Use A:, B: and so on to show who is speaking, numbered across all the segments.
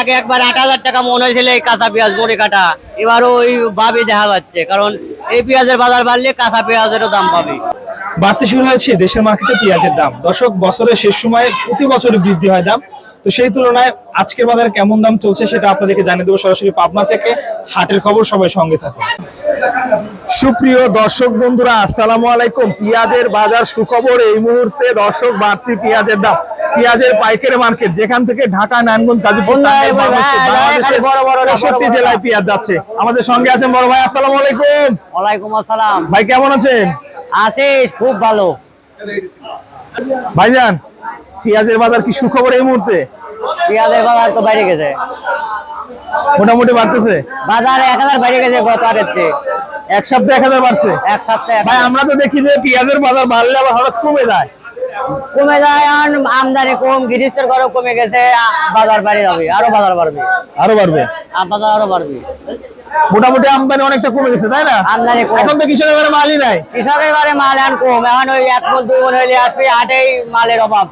A: আগে একবার 8,000 টাকা মন হয়েছিল এই কাঁচা পেঁয়াজ মুড়ি কাটা, এবারও ওই ভাবই দেখা যাচ্ছে, কারণ এই পেঁয়াজের বাজার বাড়লে কাঁচা পেঁয়াজেরও দাম পাবে।
B: বাড়তে শুরু হয়েছে দেশের মার্কেটে পেঁয়াজের দাম। দর্শক, বছরের শেষ সময় প্রতি বছরই বৃদ্ধি হয় দাম। তো সেই তুলনায় আজকের বাজারে কেমন দাম চলছে সেটা আপনাদেরকে জানিয়ে দেবো সরাসরি পাবনা থেকে। হাটের খবর, সবাই সঙ্গে থাকুন। সুপ্রিয় দর্শক বন্ধুরা, আসসালামু আলাইকুম। পেঁয়াজের বাজার সুখবর এই মুহূর্তে। দর্শক, বাড়তি পেঁয়াজের দাম, পেঁয়াজের পাইকারি মার্কেট যেখান থেকে ঢাকা, নারায়ণগঞ্জ, গাজীপুর, বাংলাদেশের ৬৫ জেলায় পেঁয়াজ যাচ্ছে। আমাদের সঙ্গে আছেন বড় ভাই। আসসালামু আলাইকুম।
A: ওয়ালাইকুম আসসালাম।
B: ভাই কেমন আছেন?
A: আছে, খুব ভালো।
B: ভাইজান, পেঁয়াজের বাজার কি সুখবর এই মুহূর্তে?
A: পেঁয়াজের বাজার তো বাইরে গেছে,
B: মোটামুটি বাড়তেছে
A: বাজার 1,000 বাইরে গেছে গত হাটের চেয়ে।
B: এক সপ্তাহে 1,000 বাড়ছে।
A: এক সপ্তাহে
B: ভাই, আমরা তো দেখি যে পেঁয়াজের বাজার বাড়লে আবার হঠাৎ কমে যায়।
A: কমে যায়, আর আমদানি কম, গৃহস্থের ঘরে কমে গেছে, বাজার বাড়ে যাবে, আরো বাজার বাড়বে,
B: আরো বাড়বে,
A: বাজার আরো বাড়বে।
B: মোটামুটি আমদানি অনেকটা কমে গেছে, তাই না?
A: আমদানি কম,
B: এখন তো কৃষকের বারে মালই নাই।
A: কৃষকের বারে মাল এখন কম, এখন ওই 1 মণ 2 মণ হইলে আসবে, হাটেই মালের অভাব।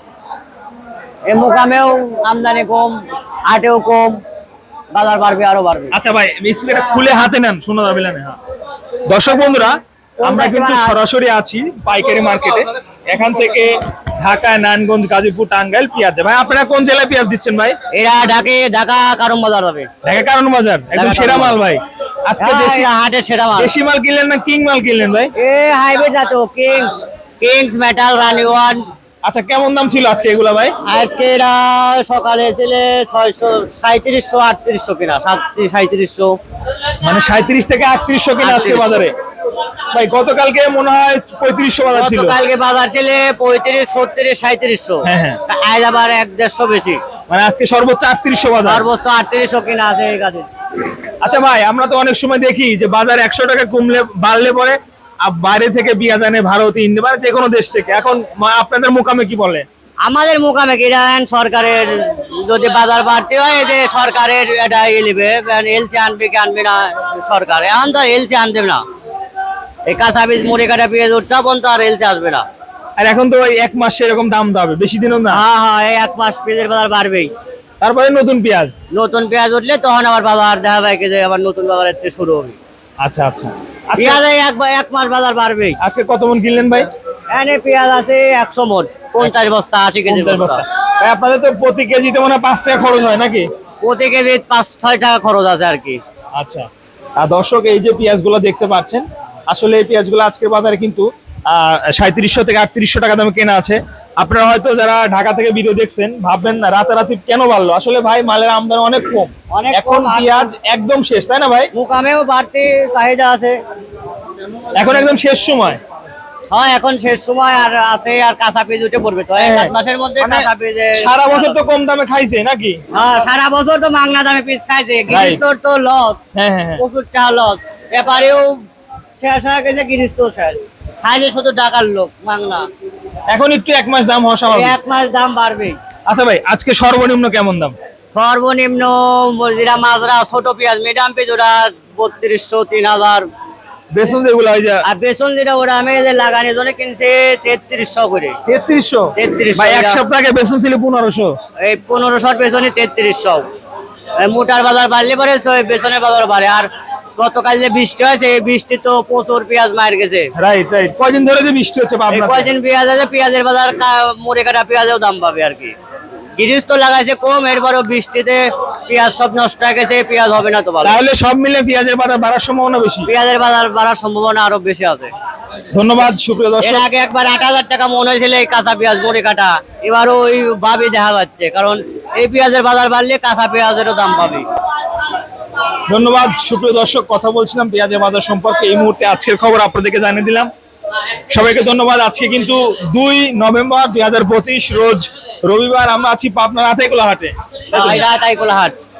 A: এই মুকামেও আমদানি কম, হাটেও কম, বাজার বাড়বে, আরো বাড়বে।
B: আচ্ছা ভাই, স্প্রেটা খুলে হাতে নেন, শোনা যাবে না। হ্যাঁ দর্শক বন্ধুরা, আমরা কিন্তু সরাসরি আছি পাইকারি মার্কেটে। এখান থেকে ঢাকা, নারায়ণগঞ্জ, গাজীপুর, টাঙ্গাইল পেঁয়াজ। ভাই, আপনারা কোন জেলায় পেঁয়াজ দিচ্ছেন ভাই?
A: এরা ঢাকা কারণ বাজার হবে।
B: ঢাকা কারণ বাজার একদম সেরা মাল ভাই। আজকে দেশি
A: হাটের সেরা মাল।
B: দেশি মাল কিনলেন না কিং মাল কিনলেন ভাই?
A: হাইব্রিড জাত, কিংস মেটাল, রানি ওয়ান।
B: আচ্ছা, কেমন দাম ছিল আজকে এগুলা ভাই?
A: আজকে এরা সকালে ছিল 637, 3800 কিনা, 3700,
B: মানে 37 থেকে 3800 কিনা আজকে বাজারে। ভাই, গতকালকে মনে হয় 3500 বাজার ছিল।
A: গতকালকে বাজার ছিল 35, 36, 3700।
B: হ্যাঁ,
A: আজ আবার 1-150 বেশি,
B: মানে আজকে সর্বোচ্চ 3800 বাজার।
A: সর্বোচ্চ 3800 কিনা আছে এই কাছে।
B: আচ্ছা ভাই, আমরা তো অনেক সময় দেখি যে বাজার 100 টাকা কমলে বাড়লে পরে বাইরে থেকে পেঁয়াজ আনে, ভারত, ইন্ডিয়া, মানে যে কোনো দেশ থেকে। এখন আপনাদের মোকামে কি বলে?
A: আমাদের মোকামে কি জানেন, সরকারের যদি বাজার বাড়তে হয়, যে সরকারের এটা নেবে, এলসি আনবে কি আনবে না সরকার। এখন তো এলসি আনবে না, এই কাঁচা বীজ মুড়ি কাটা পেঁয়াজ উৎপাদন তো আর এলসি আসবে না।
B: আর এখন তো ওই 1 মাস এরকম দাম দাবে, বেশি দিনও না।
A: হ্যাঁ, এই 1 মাস পেঁয়াজের বাজার বাড়বেই।
B: তারপরে নতুন পেঁয়াজ
A: উঠলে তখন আবার বাজার দেখা যায় যে আবার নতুন বাজার শুরু হবে।
B: আচ্ছা আচ্ছা,
A: পেঁয়াজ 1 মাস বাজার বাড়বেই।
B: আজকে কত মন কিনলেন ভাই?
A: এনে পেঁয়াজ আছে 100 মণ, 50 বস্তা, 80 কেজি বস্তা।
B: ভাই, আপনাদের তো প্রতি কেজিতে মনে হয় 5 টাকা খরচ হয় নাকি?
A: প্রতি কেজি 5-6 টাকা খরচ আছে আর কি।
B: আচ্ছা, আর দর্শক, এই যে পেঁয়াজগুলো দেখতে পাচ্ছেন, আসলে এই পেঁয়াজগুলো আজকের বাজারে কিন্তু 3700 থেকে 3800 টাকা দামে কেনা আছে। আপনারা হয়তো যারা ঢাকা থেকে ভিডিও দেখছেন ভাববেন না রাতারাতি কেন বাড়লো। আসলে ভাই, মালের আমদানি অনেক কম, এখন পেঁয়াজ একদম শেষ, তাই না ভাই?
A: মুকামেও বাড়তি চাহিদা আছে,
B: এখন একদম শেষ সময়।
A: হ্যাঁ, এখন শেষ সময়, আর আছে, আর কাঁচা পেঁয়াজ উঠে পড়বে তো 1 মাসের মধ্যে। কাঁচা পেঁয়াজ
B: সারা বছর তো কম দামে খাইছে নাকি?
A: হ্যাঁ, সারা বছর তো মাংনা দামে পেঁয়াজ খাইছে, গৃহস্থর তো লস।
B: হ্যাঁ,
A: প্রচুর টাকা লস, ব্যাপারেও শেষ হয়ে গেছে, গৃহস্থ শেষ, খাইছে শুধু টাকার লোক মাংনা।
B: এখন একটু 1 মাস দাম হওয়া স্বাভাবিক।
A: 1 মাস দাম বাড়বে।
B: আচ্ছা ভাই, আজকে সর্বনিম্ন কেমন দাম?
A: সর্বনিম্ন যেটা মাজরা ছোট পেঁয়াজ, মিডিয়াম পেঁয়াজ, ওরা 3200, 3000।
B: বেসন যেগুলো হয় যা,
A: আর বেসন যেটা ওরা আমি যে লাগানোর জন্য কিনছে 3300 করে।
B: 3300 ভাই, এক সপ্তাহ আগে বেসন ছিল 1500।
A: এই 1500 বেসনে 3300। মোটার বাজার বাড়লে পরে বেসনের বাজার বাড়ে। আর গতকাল যে বৃষ্টি হয়েছে, এই বৃষ্টি তো প্রচুর পেঁয়াজ মার গেছে।
B: রাইট। কয়দিন ধরে যে বৃষ্টি হচ্ছে পাবনাতে?
A: কয়দিন পেঁয়াজ আছে, পেঁয়াজের বাজার মুড়ে কাটা পেঁয়াজেও দাম পাবে আর কি। গৃহস্থ লাগাইছে কম, এরপরও বৃষ্টিতে পেঁয়াজ সব নষ্ট হয়ে গেছে, পেঁয়াজ হবে না তো ভালো।
B: তাহলে সব মিলে পেঁয়াজের বাজার বাড়ার সম্ভাবনা বেশি।
A: পেঁয়াজের বাজার বাড়ার সম্ভাবনা আরো বেশি আছে।
B: ধন্যবাদ সুপ্রিয় দর্শক।
A: এর আগে একবার 8,000 টাকা মন হয়েছিল এই কাঁচা পেঁয়াজ মুড়ি কাটা, এবারও ওই ভাবই দেখা যাচ্ছে, কারণ এই পেঁয়াজের বাজার বাড়লে কাঁচা পেঁয়াজেরও দাম পাবে।
B: ধন্যবাদ সুপ্রিয় দর্শক, কথা বলছিলাম পেঁয়াজের বাজার সম্পর্কে। এই মুহূর্তে আজকের খবর আপনাদেরকে জানিয়ে দিলাম। সবাইকে ধন্যবাদ। আজকে কিন্তু 2 নভেম্বর 2025 রোজ রবিবার। আমরা আছি পাবনার আতাইকুলা হাটে।
A: আতাইকুলা হাট।